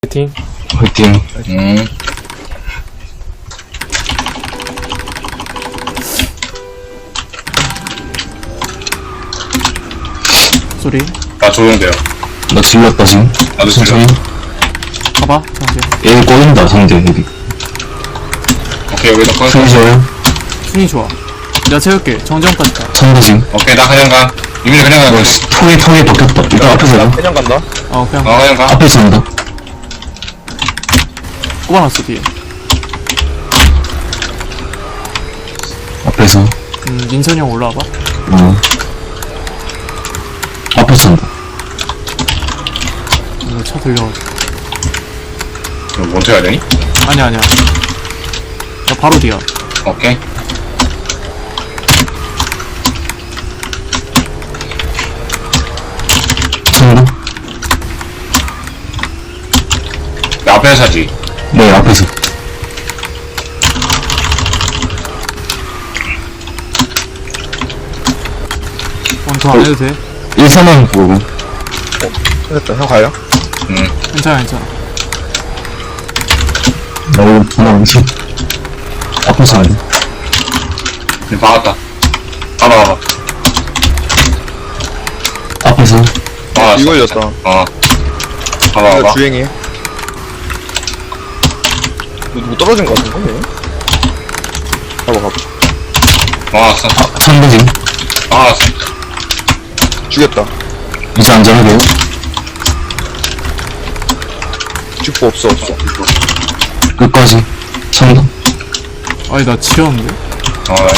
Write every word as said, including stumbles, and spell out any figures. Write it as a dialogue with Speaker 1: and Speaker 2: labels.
Speaker 1: 화이팅.
Speaker 2: 화이팅.
Speaker 3: 음.
Speaker 1: 소리.
Speaker 3: 나 조용돼요.
Speaker 2: 나 질렀다, 지금.
Speaker 3: 나도
Speaker 2: 천천히.
Speaker 1: 봐봐, 상대.
Speaker 2: 얘 꼬인다, 상대, 여기.
Speaker 3: 오케이, 여기다 꺼.
Speaker 2: 승리 좋아요.
Speaker 1: 순위 좋아. 내가 채울게. 정정까지 가.
Speaker 2: 상대 지금.
Speaker 3: 오케이, 나 그냥 가. 유민이 그냥 가.
Speaker 2: 어,
Speaker 3: 그냥.
Speaker 2: 통에, 통에 박혔다. 일단 앞에서 가.
Speaker 4: 그냥 간다.
Speaker 1: 어, 그냥
Speaker 3: 어, 그냥 가.
Speaker 2: 앞에서 온다.
Speaker 1: 꼽아놨어, 뒤에.
Speaker 2: 앞에서.
Speaker 1: 음, 민선이 형 올라와봐.
Speaker 2: 어. 앞에서 온다.
Speaker 1: 이거 차 들려가지고.
Speaker 3: 그럼 먼저 해야 되니?
Speaker 1: 아니야, 아니야. 나 바로 뒤야.
Speaker 3: 오케이.
Speaker 2: 상대.
Speaker 3: 나 앞에 사지.
Speaker 2: 네, 앞에서.
Speaker 1: 원투 안 해도 돼.
Speaker 2: 일사만 보고.
Speaker 4: 됐다. 형 가요?
Speaker 3: 음.
Speaker 1: 괜찮아, 괜찮아.
Speaker 2: 나 이거 하나 오지. 앞에서 안 돼.
Speaker 3: 네, 박았다. 봐봐, 봐봐.
Speaker 2: 앞에서.
Speaker 3: 박았어.
Speaker 4: 이거 열렸다.
Speaker 3: 어. 봐봐,
Speaker 4: 이거
Speaker 3: 봐봐.
Speaker 4: 주행이. 뭐 누구 떨어진 거 같은데? 얘? 가봐 가봐.
Speaker 3: 박았어.
Speaker 2: 아, 상대 지금.
Speaker 3: 박았어.
Speaker 4: 죽였다.
Speaker 2: 이제 안전하게요.
Speaker 4: 죽고 없어 없어.
Speaker 2: 끝까지. 상대.
Speaker 1: 아니, 나 지렸는데?
Speaker 3: 어,